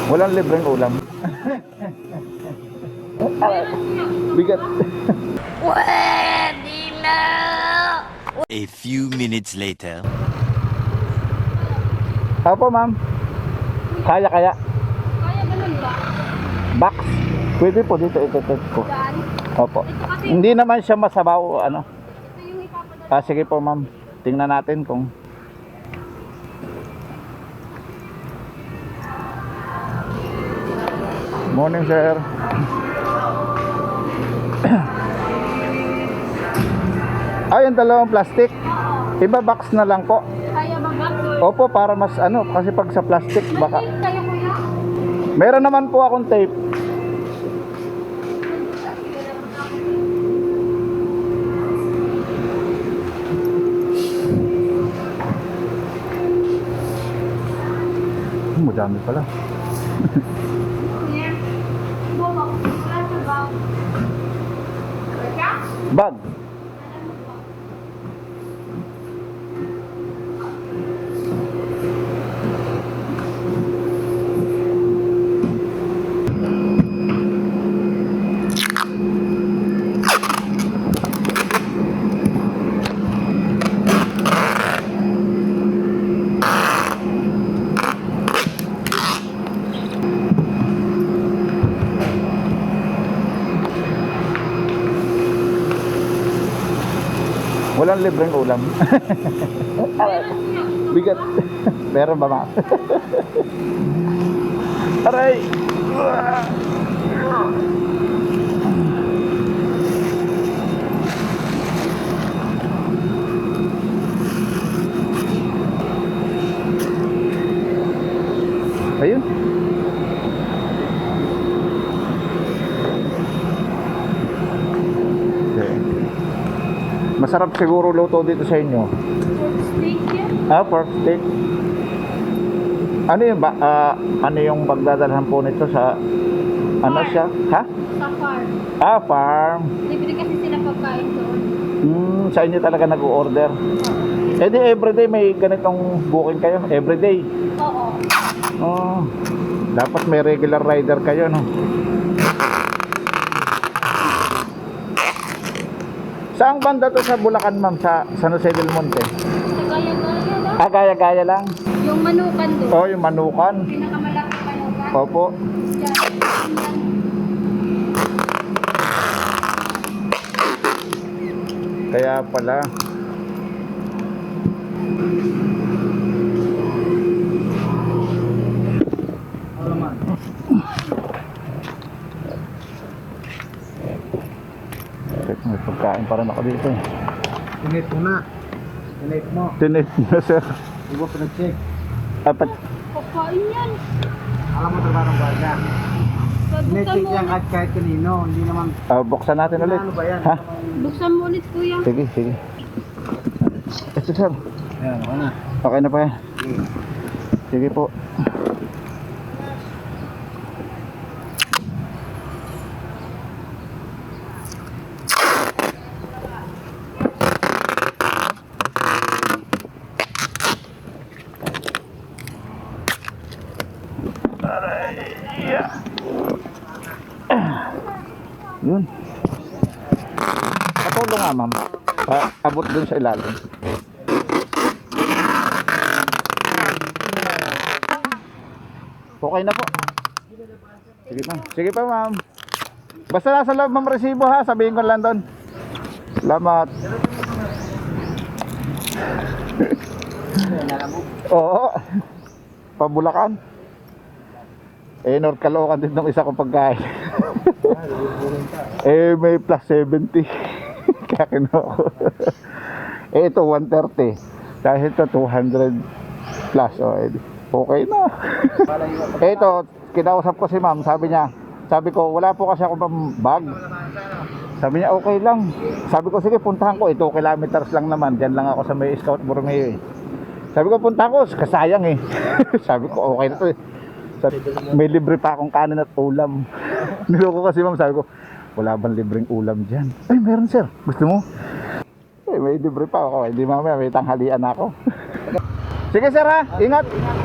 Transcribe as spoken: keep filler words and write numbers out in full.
Walang libreng ulam. Bigat. Pwede na! A few minutes later. Opo, ma'am. Kaya, kaya. Kaya ganun ba? Box. Pwede po dito ito-test ko. Saan? Opo. Ito kasi, Hindi naman siya masabaw, ano. ito yung ipapadala. Ah, sige po, ma'am. Tingnan natin kung... Morning, sir. Ay, yung dalawang plastic. Iba box na lang po. Kaya ba ba? Opo, para mas ano, kasi pag sa plastic, baka... May tape kayo kuya? Meron naman po akong tape. Hmm, madami pala. Kuya? Bobo, wala sa bag. Kaya? Bag. Walang libreng ulam. Bigat. Meron ba, ma? Aray! Ayun. Okay. Masarap siguro luto dito sa inyo. Pork steak yan? Ah, pork steak. Ano yung ba, ah, ano yung pagdadalhan po nito sa ano siya? Ha? Sa farm. Ah, farm. Libre kasi sila pagkain doon. Hmm, sa inyo talaga nag-order. Eh di everyday may ganitong booking kayo? Everyday? Oo. Oh, dapat may regular rider kayo, no? Saang banda to sa Bulacan, ma'am? Sa San Jose del Monte? Sa gaya-gaya lang. Ah, gaya-gaya lang? Yung manukan doon. Oh, yung Manukan. Pinakamalaki manukan. Opo. Yan. Yan. Kaya pala. Teka, may pagkain pa rin ako dito eh. Tinate mo na. Tinate mo. Tinate na, sir. Hindi mo pinag-check. Apat. Pagkain yan. Alam mo trabaho ng baga. Buksan Tinate mo yan ulit. kahit kahit kanino. Hindi naman. Ah, buksan natin ulit. Ano ba yan? Ha? Buksan mo ulit kuya. Sige, sige. Ito, sir. Ayan, ako na. Okay na pa yan. Sige po. Yun. Patulong nga, ma'am. Pa abot dun sa ilalim. Okay na po. Sige pa. Sige pa, ma'am. Basta nasa loob, ma'am, resibo, ha. Sabihin ko lang doon. Salamat. Oo. Pabulakan. Eh, North Caloocan din ng isa kong pagkain. Eh, may plus seventy. Kaya kinuha ko. Eh, ito one thirty. Dahil ito two hundred plus. Oh, eh, okay na. Eh, ito, kinausap ko si ma'am. Sabi niya, sabi ko, wala po kasi ako pang bag. Sabi niya, okay lang. Sabi ko, sige, puntahan ko. Ito, kilometers lang naman. Diyan lang ako sa may Scout Borromeo eh. Sabi ko, puntahan ko. Kasayang eh. Sabi ko, okay na to eh. Sabi, may libre pa akong kanin at ulam. Niloko kasi ma'am, sabi ko, wala bang libreng ulam dyan? Ay, meron sir. Gusto mo? Eh, may libre pa ako. Hindi mamaya, may tanghalian ako. Sige sir ha, ingat.